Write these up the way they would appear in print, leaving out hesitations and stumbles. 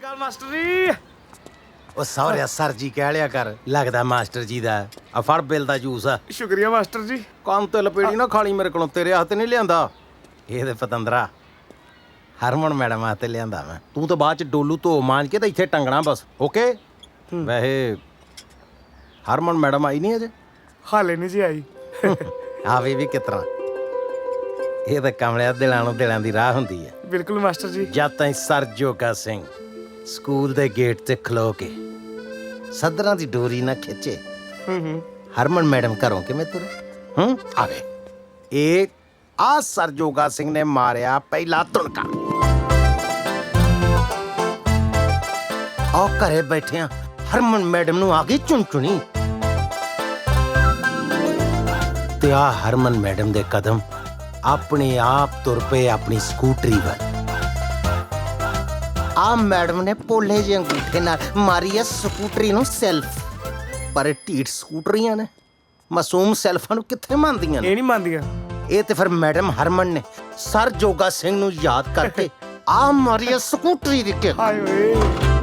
ਅਕਾਲ master ਜੀ। ਉਹ ਸਹੁਰਿਆ sir ਜੀ ਕਹਿ ਲਿਆ ਕਰ, ਲੱਗਦਾ ਮਾਸਟਰ ਜੀ ਦਾ। ਆ ਫੜ ਬਿੱਲ ਦਾ ਜੂਸ ਆ। ਸ਼ੁਕਰੀਆ ਮਾਸਟਰ ਜੀ। ਕੰਨ ਤੇ ਲਪੇੜੀ ਨਾ ਖਾਲੀ ਮੇਰੇ ਕੋਲੋਂ, ਤੇਰੇ ਹੱਥ ਨਹੀਂ ਲਿਆਂਦਾ ਇਹ ਤੇ ਪਤੰਦਰਾ ਹਰਮਨ ਮੈਡਮ ਹੱਥ ਲਿਆਂਦਾ ਮੈਂ। ਤੂੰ ਤਾਂ ਬਾਅਦ ਚ ਡੋਲੂ ਧੋ ਮਾਂਜ ਕੇ ਤਾਂ ਇੱਥੇ ਟੰਗਣਾ ਬਸ। ਓਕੇ। ਵੈਸੇ ਹਰਮਨ ਮੈਡਮ ਆਈ ਨਹੀਂ ਅਜੇ? ਹਾਲੇ ਨਹੀਂ ਜੀ ਆਈ। ਆਵੇ ਵੀ ਕਿਤਨਾ, ਇਹ ਤਾਂ ਕਮਲਿਆ ਦਿਲਾਂ ਨੂੰ ਦਿਲਾਂ ਦੀ ਰਾਹ ਹੁੰਦੀ ਹੈ। ਬਿਲਕੁਲ ਮਾਸਟਰ ਜੀ। ਜਦ ਤਾਈਂ ਸਰ ਜੋਗਾ ਸਿੰਘ ਸਕੂਲ ਦੇ ਗੇਟ ਤੇ ਖਲੋ ਕੇ ਸਦਰਾਂ ਦੀ ਡੋਰੀ ਨਾ ਖਿੱਚੇ, ਹਰਮਨ ਮੈਡਮ ਘਰੋਂ ਕਿਵੇਂ ਤੁਰੇ? ਆਵੇ ਇਹ ਆ ਸਰ ਜੋਗਾ ਸਿੰਘ ਨੇ ਮਾਰਿਆ ਪਹਿਲਾ ਤੁਣਕਾ। ਆ ਘਰੇ ਬੈਠਿਆਂ ਹਰਮਨ ਮੈਡਮ ਨੂੰ ਆ ਗਈ ਚੁਣਚੁਣੀ ਤੇ ਆ ਹਰਮਨ ਮੈਡਮ ਦੇ ਕਦਮ ਆਪਣੇ ਆਪ ਤੁਰ ਪਏ ਆਪਣੀ ਸਕੂਟਰੀ ਵੱਲ। ਆ ਮੈਡਮ ਨੇ ਪੋਲੇ ਜਿਹੇ ਅੰਗੂਠੇ ਨਾਲ ਮਾਰੀ ਐ ਸਕੂਟਰੀ ਨੂੰ ਸੈਲਫ। ਪਰ ਢੀਠ ਸਕੂਟਰੀਆਂ ਨੇ ਮਾਸੂਮ ਸੈਲਫਾਂ ਨੂੰ ਕਿੱਥੇ ਮੰਨਦੀਆਂ ਨੇ? ਇਹ ਨਹੀਂ ਮੰਨਦੀਆਂ। ਇਹ ਤੇ ਫਿਰ ਮੈਡਮ ਹਰਮਨ ਨੇ ਸਰ ਜੋਗਾ ਸਿੰਘ ਨੂੰ ਯਾਦ ਕਰਕੇ ਆ ਮਾਰੀ ਐ ਸਕੂਟਰੀ ਦੀ ਕਿੱਕ। ਹਾਏ ਓਏ,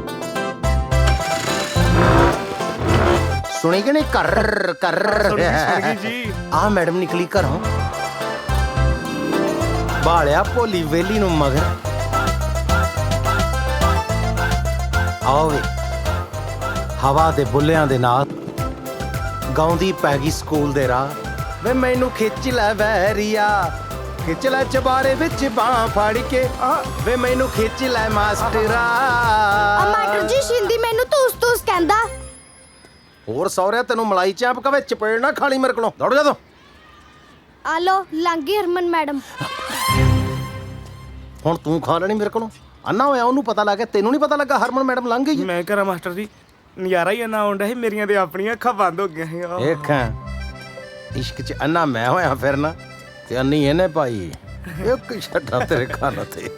ਸੁਣੀ ਕਿ ਨਹੀਂ? ਕਰ ਕਰ ਸੁਣ ਗਈ ਜੀ। ਆ ਮੈਡਮ ਨਿਕਲੀ ਘਰੋਂ, ਬਾਲਿਆ ਭੋਲੀ ਵੇਲੀ ਨੂੰ ਮਗਰ। ਆਵੇ ਹਵਾ ਦੇ ਬੁੱਲਿਆਂ ਦੇ ਨਾਲ ਗਾਉਂਦੀ ਪੈ ਗਈ ਸਕੂਲ ਦੇ ਰਾਹ। ਵੇ ਮੈਨੂੰ ਖਿੱਚ ਲੈ ਵੈਰੀਆ, ਖਿੱਚ ਲੈ ਚਬਾਰੇ ਵਿੱਚ ਬਾਹ ਫੜ ਕੇ। ਵੇ ਮੈਨੂੰ ਖਿੱਚ ਲੈ ਮਾਸਟਰਾ। ਮਾਸਟਰ ਜੀ ਸ਼ਿੰਦੀ ਮੈਨੂੰ ਤੂਸ ਕਹਿੰਦਾ। ਹੋਰ ਸਹੁਰਿਆ ਤੈਨੂੰ ਮਲਾਈ ਚਾਂਪ ਕਵੇ ਚਪੇੜ ਨਾ ਖਾਲੀ ਮੇਰੇ ਕੋਲੋਂ। ਦੌੜ ਜਾ ਤੂੰ। ਆ ਲੋ ਲੰਗੀ ਹਰਮਨ ਮੈਡਮ। ਹੁਣ ਤੂੰ ਖਾ ਲੈਣੀ ਮੇਰੇ ਕੋਲੋਂ। ਅੰਨਾ ਹੋਇਆ ਉਹਨੂੰ ਪਤਾ ਲੱਗ ਗਿਆ, ਤੈਨੂੰ ਨਹੀਂ ਪਤਾ ਲੱਗਾ ਹਰਮਨ ਮੈਡਮ ਲੰਘ ਗਈ। ਮੈਂ ਕਰਾਂ ਮਾਸਟਰ ਜੀ, ਨਜ਼ਾਰਾ ਹੀ ਇੰਨਾ ਆਉਂਦਾ ਸੀ, ਮੇਰੀਆਂ ਤੇ ਆਪਣੀਆਂ ਅੱਖਾਂ ਬੰਦ ਹੋ ਗਈਆਂ ਸੀ। ਦੇਖਾਂ ਇਸ਼ਕ ਚ ਅੰਨਾ ਮੈਂ ਹੋਇਆ ਫਿਰਨਾ ਤੇ ਅੰਨੀ ਇਹਨੇ ਪਾਈ। ਇੱਕ ਛੱਡਾ ਤੇਰੇ ਕੰਨ ਤੇ।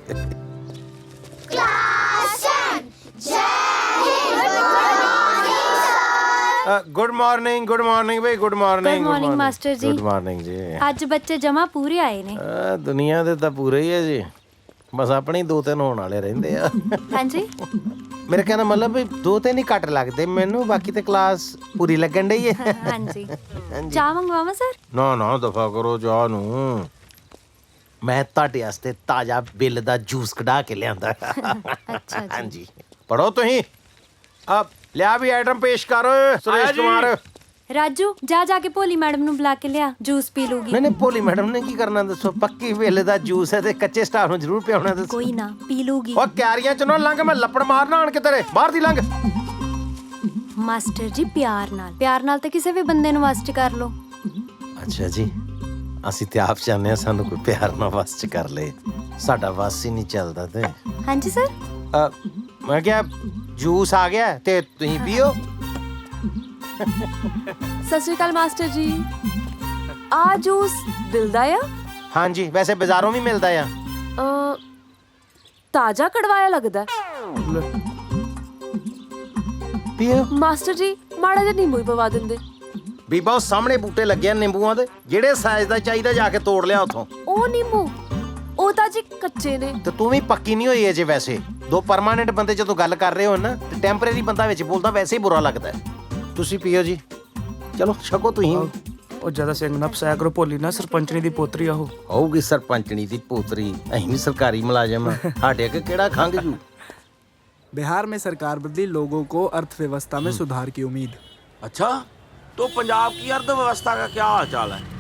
ਗੁੱਡ ਮਾਰਨਿੰਗ ਬਈ, good morning. Good morning master ji. Good morning ji. ਅੱਜ ਬੱਚੇ ਜਮਾ ਪੂਰੇ ਆਏ ਨੇ। ਦੁਨੀਆ ਦੇ ਤਾਂ ਪੂਰੇ ਹੀ ਹੈ ਜੀ, ਬਸ ਆਪਣੇ 2-3 ਹੋਣ ਵਾਲੇ ਰਹਿੰਦੇ ਆ। ਹਾਂਜੀ ਮੇਰੇ ਕਹਿਣ ਦਾ ਮਤਲਬ ਵੀ 2-3 ਹੀ ਘੱਟ ਲੱਗਦੇ ਮੈਨੂੰ, ਬਾਕੀ ਤੇ ਕਲਾਸ ਪੂਰੀ ਲੱਗਣ ਡਈ ਹੈ। ਹਾਂਜੀ ਚਾਹ ਮੰਗਵਾਵਾਂ ਸਰ? ਨਾ ਦਫਾ ਕਰੋ ਚਾਹ ਨੂੰ। ਮੈਂ ਤੁਹਾਡੇ ਵਾਸਤੇ ਤਾਜ਼ਾ ਬਿੱਲ ਦਾ ਜੂਸ ਕਢਾ ਕੇ ਲਿਆਂਦਾ। ਅੱਛਾ ਜੀ। ਹਾਂਜੀ ਪੜੋ ਤੁਸੀਂ। ਆ ਲਿਆ ਵੀ ਆਈਟਮ ਪੇਸ਼ ਕਰ ਸੁਰੇਸ਼ ਕੁਮਾਰ। ਰਾਜੂ ਜਾ ਕੇ ਭੋਲੀ ਮੈਡਮ ਨੂੰ ਬੁਲਾ ਕੇ ਲਿਆ, ਜੂਸ ਪੀ ਲੂਗੀ। ਨਹੀਂ ਭੋਲੀ ਮੈਡਮ ਨੇ ਕੀ ਕਰਨਾ ਦੱਸੋ? ਪੱਕੀ ਬਿੱਲ ਦਾ ਜੂਸ ਹੈ ਤੇ ਕੱਚੇ ਸਟਾਫ ਨੂੰ ਜ਼ਰੂਰ ਪਿਆਉਣਾ ਦੱਸੋ। ਕੋਈ ਨਾ ਪੀ ਲੂਗੀ। ਉਹ ਕਿਆਰੀਆਂ ਚ ਨਾ ਲੰਘ, ਮੈਂ ਲੱਪੜ ਮਾਰਨਾ ਆਣ ਕੇ ਤੇਰੇ। ਬਾਹਰ ਦੀ ਲੰਘ। ਮਾਸਟਰ ਜੀ ਪਿਆਰ ਨਾਲ ਤਾਂ ਕਿਸੇ ਵੀ ਬੰਦੇ ਨੂੰ ਵਸ ਚ ਕਰ ਲੋ। ਅੱਛਾ ਜੀ, ਅਸੀਂ ਤੇ ਆਪ ਚਾਹੁੰਦੇ ਹਾਂ ਸਾਨੂੰ ਕੋਈ ਪਿਆਰ ਨਾਲ ਵਸ ਚ ਕਰ ਲੇ। ਸਾਡਾ ਵਸ ਹੀ ਨਹੀਂ ਚੱਲਦਾ ਤੇ। ਹਾਂਜੀ ਸਰ। ਮੈਂ ਕਿਹਾ ਜੂਸ ਆ ਗਿਆ ਤੇ ਤੁਸੀਂ ਪੀਓ। ਸਤਿ ਸ਼੍ਰੀ ਅਕਾਲ ਮਾਸਟਰ ਜੀ। ਆ ਜੂਸ ਦਿਲ ਦਾ ਆ? ਹਾਂਜੀ, ਵੈਸੇ ਬਾਜ਼ਾਰੋਂ ਵੀ ਮਿਲਦਾ ਆ। ਤਾਜ਼ਾ ਕੜਵਾਇਆ ਲੱਗਦਾ। ਪੀਓ ਮਾਸਟਰ ਜੀ ਮਾੜਾ ਜਿਹਾ ਨਿੰਬੂ ਹੀ ਪਵਾ ਦਿੰਦੇ। ਬੀਬਾ ਉਹ ਸਾਹਮਣੇ ਬੂਟੇ ਲੱਗੇ ਆ ਨਿੰਬੂਆਂ ਦੇ, ਜਿਹੜੇ ਸਾਈਜ਼ ਦਾ ਚਾਹੀਦਾ ਜਾ ਕੇ ਤੋੜ ਲਿਆ ਉੱਥੋਂ। ਉਹ ਨਿੰਬੂ ਉਹ ਤਾਂ ਜੀ ਕੱਚੇ ਨੇ। ਤੇ ਤੂੰ ਵੀ ਪੱਕੀ ਨਹੀਂ ਹੋਈ ਅਜੇ। ਵੈਸੇ ਦੋ ਪਰਮਾਨੈਂਟ ਬੰਦੇ ਜਦੋਂ ਗੱਲ ਕਰ ਰਹੇ ਹੋ ਨਾ ਤੇ ਟੈਂਪਰੇਰੀ ਬੰਦਾ ਵਿੱਚ ਬੋਲਦਾ ਵੈਸੇ ਹੀ ਬੁਰਾ ਲੱਗਦਾ। ਤੁਸੀਂ ਪੀਓ ਜੀ, ਚਲੋ ਛਕੋ ਤੁਸੀਂ। ਉਹ ਜਿਆਦਾ ਸਿੰਘ ਨਾ ਫਸਾਇਆ ਕਰੋ, ਭੋਲੀ ਨਾ ਸਰਪੰਚਣੀ ਦੀ ਪੋਤਰੀ ਆ ਉਹ। ਹੋਊਗੀ ਸਰਪੰਚਣੀ ਦੀ ਪੋਤਰੀ, ਅਸੀਂ ਵੀ ਸਰਕਾਰੀ ਮੁਲਾਜ਼ਮ ਸਾਡੇ ਅੱਗੇ ਕਿਹੜਾ ਖੰਘ ਜੂ। बिहार में सरकार बदली, लोगों को अर्थव्यवस्था में सुधार की उम्मीद। अच्छा, तो पंजाब की अर्थव्यवस्था का क्या हाल चाल है?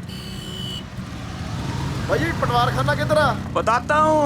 ਭਾਜੀ ਪਟਵਾਰ ਖਾਨਾ ਕਿੱਧਰ ਆ? बताता हूँ।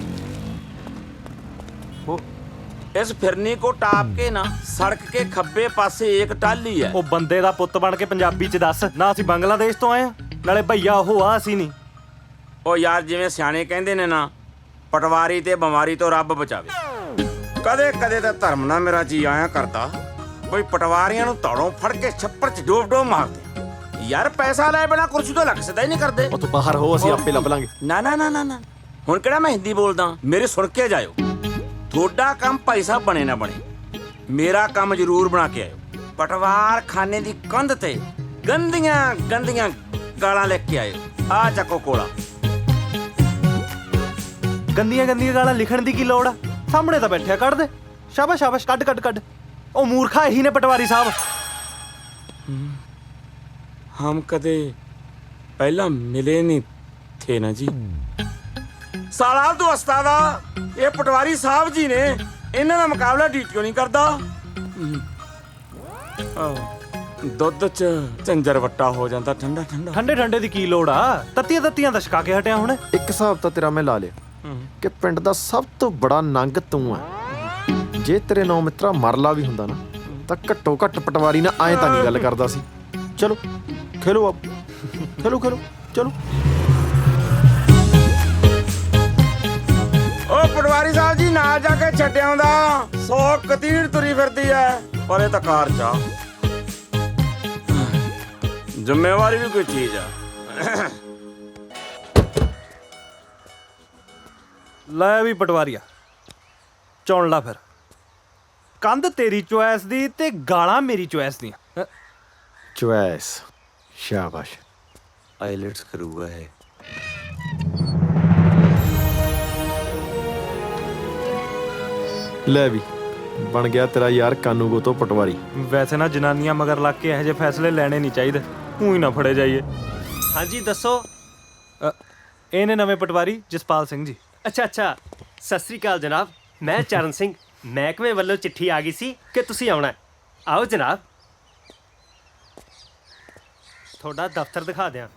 इस फिरनी को टाप के ना सड़क के खब्बे पासे एक टाली है। ਉਹ ਬੰਦੇ ਦਾ ਪੁੱਤ ਬਣ ਕੇ ਪੰਜਾਬੀ ਚ ਦੱਸ ਨਾ, ਅਸੀਂ ਬੰਗਲਾਦੇਸ਼ ਤੋਂ ਆਏ ਆ ਨਾਲੇ ਭਈਆ ਉਹ ਆ ਅਸੀਂ ਨਹੀਂ। ਉਹ ਯਾਰ ਜਿਵੇਂ ਸਿਆਣੇ ਕਹਿੰਦੇ ਨੇ ਨਾ, ਪਟਵਾਰੀ ਤੇ ਬਿਮਾਰੀ ਤੋਂ ਰੱਬ ਬਚਾਵੇ। ਕਦੇ ਕਦੇ ਤਾਂ ਧਰਮ ਨਾਲ ਮੇਰਾ ਜੀ ਆਇਆ ਕਰਦਾ ਬਈ ਪਟਵਾਰੀਆਂ ਨੂੰ ਧੌੜੋਂ ਫੜ ਕੇ ਛੱਪੜ ਚ ਡੋਬ ਮਾਰਦੇ। ਯਾਰ ਪੈਸਾ ਲੈ ਬਿਨਾ ਕੁਰਸੀ ਤੋਂ ਲੱਗ ਸਦਾ ਹੀ ਨਹੀਂ ਕਰਦੇ। ਉਹ ਤੂੰ ਬਾਹਰ ਹੋ, ਅਸੀਂ ਆਪੇ ਲੱਭ ਲਾਂਗੇ। ਨਾ ਹੁਣ ਕਿਹੜਾ ਮੈਂ ਹਿੰਦੀ ਬੋਲਦਾ, ਮੇਰੇ ਸੁਣ ਕੇ ਜਾਇਓ। ਤੁਹਾਡਾ ਕੰਮ ਭਾਈ ਸਾਹਿਬ ਬਣੇ ਨਾ ਬਣੇ, ਮੇਰਾ ਕੰਮ ਜ਼ਰੂਰ ਬਣਾ ਕੇ ਆਇਓ। ਪਟਵਾਰ ਖਾਨੇ ਦੀ ਕੰਧ ਤੇ ਗੰਦੀਆਂ ਗਾਲਾਂ ਲਿਖ ਕੇ ਆਇਓ। ਆ ਚੱਕੋ ਕੋਲਾ। ਗੰਦੀਆਂ ਗਾਲਾਂ ਲਿਖਣ ਦੀ ਕੀ ਲੋੜ ਆ? ਸਾਹਮਣੇ ਤਾਂ ਬੈਠਿਆ ਕੱਢ ਦੇ। ਸ਼ਾਬਾਸ਼ ਸ਼ਾਬਾਸ਼, ਕੱਢ ਕੱਢ ਕੱਢ। ਉਹ ਮੂਰਖਾ, ਇਹੀ ਨੇ ਪਟਵਾਰੀ ਸਾਹਿਬ। हम कदे पहला मिले नहीं थे ना जी। साला तू उस्तादा, ये पटवारी साहब जी ने इन्हां दा मुकाबला डीटीओ नहीं करदा। ਦੁੱਧ ਚ ਝੰਜਰ ਵੱਟਾ ਹੋ ਜਾਂਦਾ ਠੰਡਾ ਠੰਡਾ। ਠੰਡੇ ਠੰਡੇ ਦੀ ਕੀ ਲੋੜ ਆ, ਤੱਤੀਆਂ ਤੱਤੀਆਂ ਦਾ ਛਕਾ ਕੇ ਹਟਿਆ ਹੁਣ। ਇੱਕ ਹਿਸਾਬ ਤਾਂ ਤੇਰਾ ਮੈਂ ਲਾ ਲਿਆ ਕਿ ਪਿੰਡ ਦਾ ਸਭ ਤੋਂ ਬੜਾ ਨੰਗ ਤੂੰ ਹੈ। ਜੇ ਤੇਰੇ ਨੌ ਮਿੱਤਰਾ ਮਰਲਾ ਵੀ ਹੁੰਦਾ ਨਾ ਤਾਂ ਘੱਟੋ ਘੱਟ ਪਟਵਾਰੀ ਨਾਲ ਐਂ ਤਾਂ ਨਹੀਂ ਗੱਲ ਕਰਦਾ ਸੀ। ਚਲੋ ਖੇਲੋ ਆਪ, ਖੇਲੋ ਖੇਲੋ ਚਲੋ। ਉਹ ਪਟਵਾਰੀ ਸਾਹਿਬ ਜੀ ਨਾਲ ਜਾ ਕੇ ਛੱਡਿਆ ਹੁੰਦਾ 100 ਕਤੀੜ ਤੁਰੀ ਫਿਰਦੀ ਐ, ਪਰ ਇਹ ਤਾਂ ਕਾਰ ਚ ਆ। ਜ਼ਿੰਮੇਵਾਰੀ ਵੀ ਕੋਈ ਚੀਜ਼ ਆ। ਲੈ ਵੀ ਪਟਵਾਰੀਆ, ਚੁਣ ਲਾ ਫਿਰ। ਕੰਧ ਤੇਰੀ ਚੁਆਇਸ ਦੀ ਤੇ ਗਾਲਾਂ ਮੇਰੀ ਚੁਆਇਸ ਦੀਆਂ। ਚੁਆਇਸ, ਸ਼ਾਬਾਸ਼। ਆਈਲੈਟਸ ਕਰੂਗਾ ਇਹ। ਲੈ ਵੀ ਬਣ ਗਿਆ ਤੇਰਾ ਯਾਰ ਕਾਨੂੰਗੋ ਤੋਂ ਪਟਵਾਰੀ। ਵੈਸੇ ਨਾ ਜਨਾਨੀਆਂ ਮਗਰ ਲੱਗ ਕੇ ਇਹੋ ਜਿਹੇ ਫੈਸਲੇ ਲੈਣੇ ਨਹੀਂ ਚਾਹੀਦੇ, ਊਂ ਨਾ ਫੜੇ ਜਾਈਏ। ਹਾਂਜੀ ਦੱਸੋ। ਇਹ ਨੇ ਨਵੇਂ ਪਟਵਾਰੀ ਜਸਪਾਲ ਸਿੰਘ ਜੀ। ਅੱਛਾ, ਸਤਿ ਸ੍ਰੀ ਅਕਾਲ ਜਨਾਬ। ਮੈਂ ਚਰਨ ਸਿੰਘ, ਮਹਿਕਮੇ ਵੱਲੋਂ ਚਿੱਠੀ ਆ ਗਈ ਸੀ ਕਿ ਤੁਸੀਂ ਆਉਣਾ। ਆਓ ਜਨਾਬ, ਤੁਹਾਡਾ ਦਫ਼ਤਰ ਦਿਖਾ ਦਿਆਂ।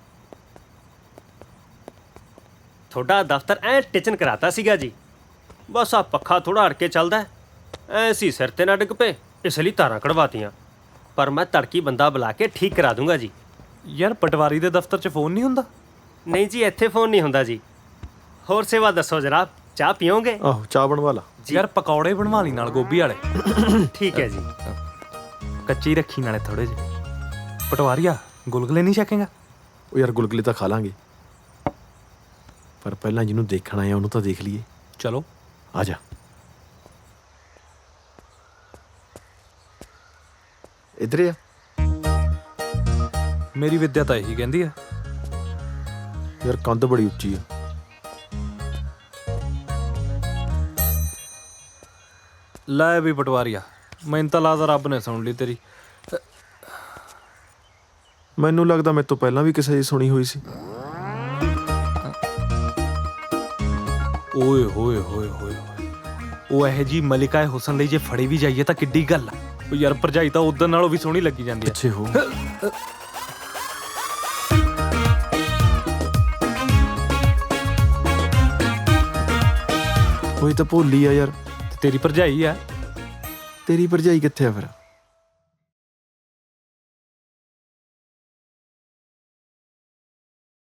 ਤੁਹਾਡਾ ਦਫ਼ਤਰ ਐ ਟਿਚਨ ਕਰਾਤਾ ਸੀਗਾ ਜੀ, ਬਸ ਆ ਪੱਖਾ ਥੋੜਾ ਅੜ ਕੇ ਚੱਲਦਾ ਐ ਸੀ, ਸਿਰ ਤੇ ਨਾ ਡਿੱਗ ਪਏ, ਇਸ ਲਈ ਤਾਰਾਂ ਕਢਵਾਤੀਆਂ। ਪਰ ਮੈਂ ਤੜਕੀ ਬੰਦਾ ਬੁਲਾ ਕੇ ਠੀਕ ਕਰਾ ਦੂੰਗਾ ਜੀ। ਯਾਰ ਪਟਵਾਰੀ ਦੇ ਦਫ਼ਤਰ 'ਚ ਫੋਨ ਨਹੀਂ ਹੁੰਦਾ? ਨਹੀਂ ਜੀ, ਇੱਥੇ ਫੋਨ ਨਹੀਂ ਹੁੰਦਾ ਜੀ। ਹੋਰ ਸੇਵਾ ਦੱਸੋ ਜਨਾਬ, ਚਾਹ ਪੀਓਗੇ? ਆਹੋ ਚਾਹ ਬਣਵਾ ਲਾ। ਯਾਰ ਪਕੌੜੇ ਬਣਵਾ ਲਈ ਨਾਲ ਗੋਭੀ ਵਾਲੇ। ਠੀਕ ਹੈ ਜੀ। ਕੱਚੀ ਰੱਖੀ ਨਾਲੇ ਥੋੜੇ ਜਿਹੇ। ਪਟਵਾਰੀਆ, ਗੁਲਗੁਲੇ ਨਹੀਂ ਛਕੇਗਾ? ਉਹ ਯਾਰ ਗੁਲਗੁਲੇ ਤਾਂ ਖਾ ਲਾਂਗੇ, ਪਰ ਪਹਿਲਾਂ ਜਿਹਨੂੰ ਦੇਖਣਾ ਹੈ ਉਹਨੂੰ ਤਾਂ ਦੇਖ ਲਈਏ। ਚਲੋ ਆ ਜਾ। ਇੱਧਰ ਆ। ਮੇਰੀ ਵਿੱਦਿਆ ਤਾਂ ਇਹੀ ਕਹਿੰਦੀ ਆ। ਯਾਰ ਕੰਧ ਬੜੀ ਉੱਚੀ ਆ। ਲੈ ਵੀ ਪਟਵਾਰੀਆ, ਮੈਨੂੰ ਤਾਂ ਲੱਗਦਾ ਰੱਬ ਨੇ ਸੁਣ ਲਈ ਤੇਰੀ। ਮੈਨੂੰ ਲੱਗਦਾ ਮੇਰੇ ਤੋਂ ਪਹਿਲਾਂ ਵੀ ਕਿਸੇ ਦੀ ਸੁਣੀ ਹੋਈ ਸੀ। ਓਏ ਹੋਏ ਹੋਏ ਹੋਏ, ਉਹ ਇਹੋ ਜੀ ਮਲਿਕਾ ਹੁਸਨ ਲਈ ਜੇ ਫੜੇ ਵੀ ਜਾਈਏ ਤਾਂ ਕਿੱਡੀ ਗੱਲ ਆ। ਉਹ ਯਾਰ ਭਰਜਾਈ ਤਾਂ ਉਦੋਂ ਨਾਲੋਂ ਵੀ ਸੋਹਣੀ ਲੱਗੀ ਜਾਂਦੀ ਆ। ਪਿੱਛੇ ਹੋ। ਕੋਈ ਤਾਂ ਭੋਲੀ ਆ ਯਾਰ। ਤੇਰੀ ਭਰਜਾਈ ਆ। ਤੇਰੀ ਭਰਜਾਈ ਕਿੱਥੇ ਆ ਫਿਰ?